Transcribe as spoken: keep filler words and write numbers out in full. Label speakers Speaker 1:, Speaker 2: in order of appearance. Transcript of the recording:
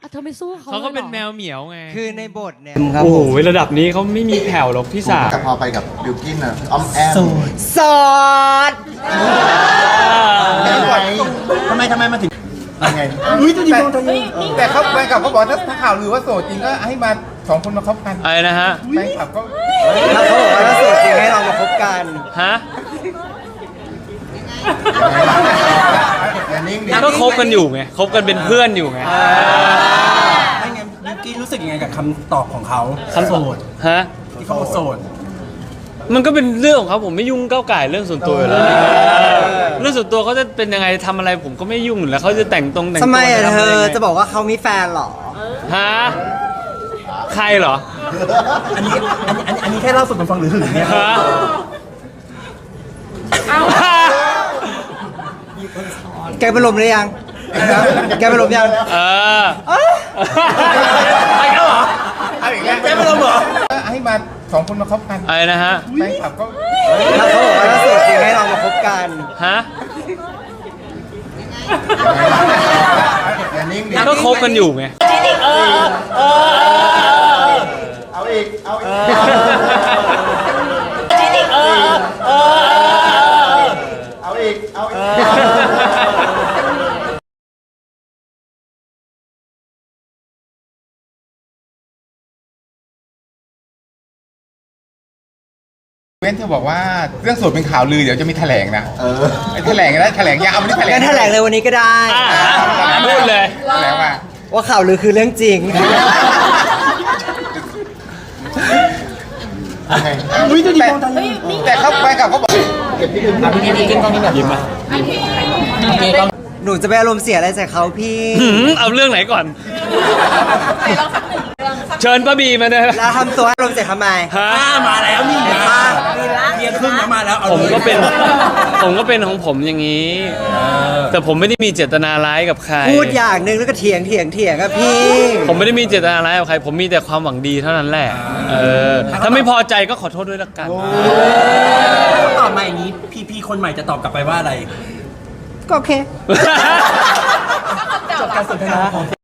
Speaker 1: เธอไม่สู้เขา
Speaker 2: เขาก็เป็น
Speaker 1: ลยหรอ
Speaker 2: แมวเหมียวไง
Speaker 3: คือในบทเนี่ยครับ
Speaker 2: โอ้
Speaker 3: ผ
Speaker 2: โห
Speaker 3: ม
Speaker 2: ระดับนี้เขาไม่มีแผ่วหรอกพี่สาว
Speaker 4: แต่พอไปกับบิวกินอะอ้อมแอม
Speaker 3: สด
Speaker 4: ทำไมทำไมมาถึงยังไงแต่แต่เขาแฟนคลับเขาบอกถ้าถ้าข่าวลือว่าโสดจริงก็ให้มาสองคนมาคบกัน
Speaker 2: อะไรนะฮะ
Speaker 4: แฟนคลับก็
Speaker 3: แล้วเขาบอกว่าถ้าโสดจริงให้เรามาคบกัน
Speaker 2: ฮะ
Speaker 4: อย่านิ่งดิ
Speaker 2: ก็คบกันอยู่ไงคบกันเป็นเพื่อนอยู่ไง
Speaker 5: ไม่งั้นบิวกี้รู้สึกยังไงกับคำตอบของเขา
Speaker 2: คำ
Speaker 5: โสด
Speaker 2: ฮะ
Speaker 5: ที่เขาบอกโสด
Speaker 2: มันก็เป็นเรื่องของเขาผมไม่ยุ่งก้าวไก่เรื่องส่วนตัวอยู่แล้วเรื่องส่วนตัวเขาจะเป็นยังไงทำอะไรผมก็ไม่ยุ่งอยู่แล้วเขาจะแต่งตรงแต่งตัว
Speaker 3: ทำไมอะ
Speaker 2: ทำ
Speaker 3: เธ
Speaker 2: ไร
Speaker 3: อ
Speaker 2: ยังไง
Speaker 3: จะบอกว่าเขามีแฟนเหรอ
Speaker 2: ฮะใครเหรอ
Speaker 5: อันนี้อันนี้อันนี้อันนี้แค่เล่าสู่กันฟังหรือหึงเนี่ย
Speaker 2: ฮะ
Speaker 3: แกไปลมหรือยัง แกไปลมยัง
Speaker 2: เออ
Speaker 5: ไปแล้วเหรอ
Speaker 4: เอาอีกแล้ว
Speaker 5: แกไม่ลงเหรอ
Speaker 4: ให้มาสองคนมาคบกัน
Speaker 2: อะไรนะฮะ
Speaker 4: แฟนคลับก็
Speaker 3: แล้วเขาบอกว่าถ้าโสดจริงให้เรามาคบกัน
Speaker 2: ฮะ
Speaker 4: อย่านิ่งดิ
Speaker 2: ก็คบกันอยู่ไง
Speaker 4: เอาอีกเอาอีกเอาอีกเอาอีกเว้นเธอบอกว่าเรื่องโสดเป็นข่าวลือเดี๋ยวจะมีแถลงนะเออแถลงนะแถลงยาววันนี้แถลง
Speaker 3: งั้นแถลงเลยวันนี้ก็ได้
Speaker 2: อ่ะพูดเลย
Speaker 4: แถลงว่า
Speaker 3: ว่าข่าวลือคือเรื่องจริง
Speaker 4: อุ้ยจะดีมองทันแต่เขาแฟนคลับเขาบอกเก็บที่อื่นพี่พี่กินกล้องนี้แบบ
Speaker 2: ยิ้มมา
Speaker 3: หนูจะไปอารมณ์เสียอะไรใส่เขาพี่
Speaker 2: หืมเอาเรื่องไหนก่อน เชิญป้าบีมาเลย
Speaker 3: แล้วทำตัวให้อารมณ์เสียทำไม
Speaker 2: ฮะ
Speaker 5: อ่ามาแล้วนี่
Speaker 3: เห็น
Speaker 5: มา
Speaker 3: ปะ
Speaker 5: เรียนครึ่งแล้วมาแล้วอา
Speaker 2: ผมก็เป็น
Speaker 5: ลย
Speaker 2: ผมก็เป็นของผมอย่างนี้ แต่ผมไม่ได้มีเจตนาร้ายกับใคร
Speaker 3: พูดอย่างหนึ่งแล้วก็เถียงเถียงเถียงอะพี่
Speaker 2: ผมไม่ได้มีเจตนาร้ายกับใคร ผมมีแต่ความหวังดีเท่านั้นแหละ เออ ถ้าไม่พอใจก็ขอโทษด้วยละกัน
Speaker 5: เขาตอบมาอย่างนี้พีพีคนใหม่จะตอบกลับไปว่าอะไร
Speaker 3: ก็โอเค
Speaker 5: จบการสนทนาของ